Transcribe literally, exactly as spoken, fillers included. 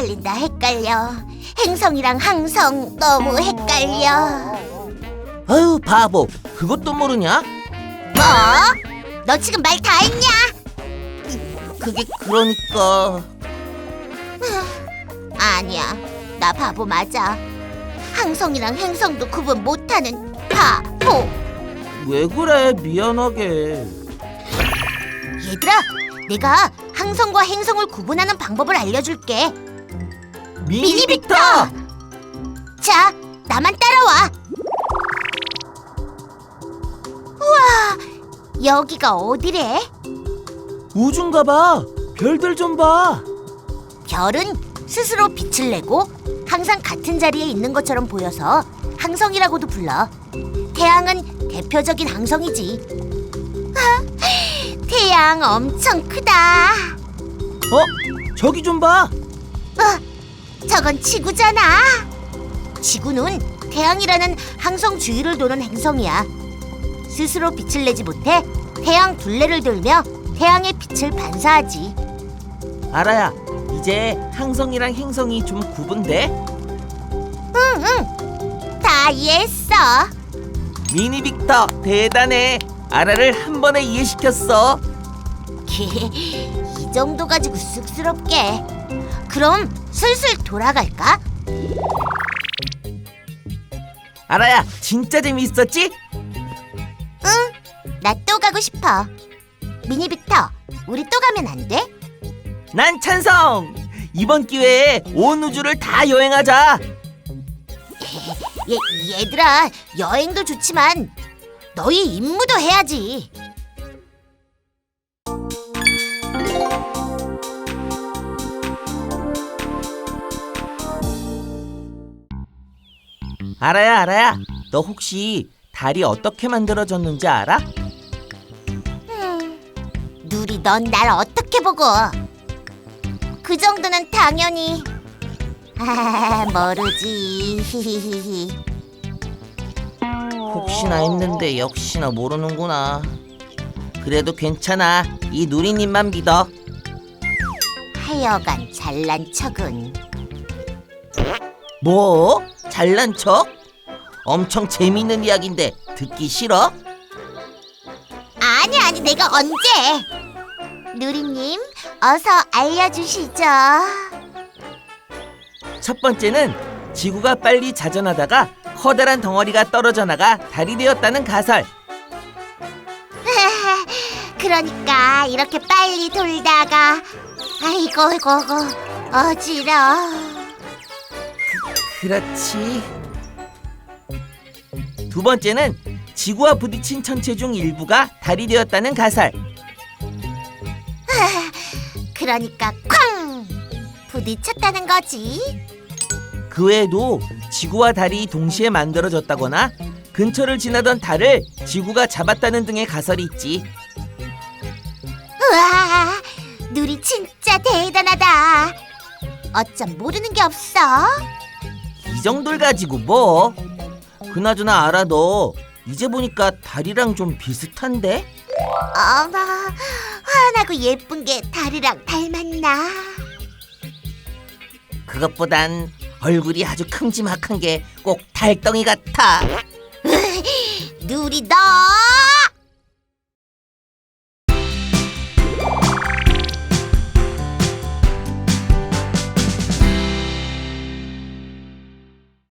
헷갈린다 헷갈려. 행성이랑 항성 너무 헷갈려. 아유 바보, 그것도 모르냐? 뭐? 너 지금 말 다 했냐? 그게 그러니까... 아니야, 나 바보 맞아. 항성이랑 행성도 구분 못하는 바보. 왜 그래, 미안하게. 얘들아, 내가 항성과 행성을 구분하는 방법을 알려줄게. 미니 빅터! 자, 나만 따라와. 우와, 여기가 어디래? 우주인가 봐. 별들 좀 봐. 별은 스스로 빛을 내고 항상 같은 자리에 있는 것처럼 보여서 항성이라고도 불러. 태양은 대표적인 항성이지. 아, 태양 엄청 크다. 어? 저기 좀 봐. 어, 저건 지구잖아. 지구는 태양이라는 항성 주위를 도는 행성이야. 스스로 빛을 내지 못해 태양 둘레를 돌며 태양의 빛을 반사하지. 알아야, 이제 항성이랑 행성이 좀 구분돼? 응응, 다 이해했어. 미니 빅터 대단해. 아라를 한 번에 이해시켰어. 이 정도 가지고 쑥스럽게. 그럼 슬슬 돌아갈까? 아라야, 진짜 재미있었지? 응, 나 또 가고 싶어. 미니 빅터, 우리 또 가면 안 돼? 난 찬성! 이번 기회에 온 우주를 다 여행하자. 얘, 얘들아, 여행도 좋지만 너희 임무도 해야지. 아라야, 아라야, 너 혹시 달이 어떻게 만들어졌는지 알아? 음, 누리, 넌 날 어떻게 보고? 그 정도는 당연히. 아, 모르지. 히히히히. 혹시나 했는데 역시나 모르는구나. 그래도 괜찮아. 이 누리님만 믿어. 하여간 잘난 척은. 뭐? 잘난 척? 엄청 재밌는 이야기인데 듣기 싫어? 아니 아니, 내가 언제? 누리님, 어서 알려주시죠. 첫 번째는 지구가 빨리 자전하다가 커다란 덩어리가 떨어져 나가 달이 되었다는 가설. 그러니까 이렇게 빨리 돌다가, 아이고 아이고 어지러워. 그렇지. 두 번째는 지구와 부딪힌 천체 중 일부가 달이 되었다는 가설. 그러니까 쾅! 부딪혔다는 거지. 그 외에도 지구와 달이 동시에 만들어졌다거나 근처를 지나던 달을 지구가 잡았다는 등의 가설이 있지. 우와, 누리 진짜 대단하다. 어쩜 모르는 게 없어? 이 정도를 가지고 뭐? 그나저나 알아, 너 이제 보니까 달이랑 좀 비슷한데? 어머, 환하고 예쁜 게 달이랑 닮았나? 그것보단 얼굴이 아주 큼지막한 게 꼭 달덩이 같아. 누리, 너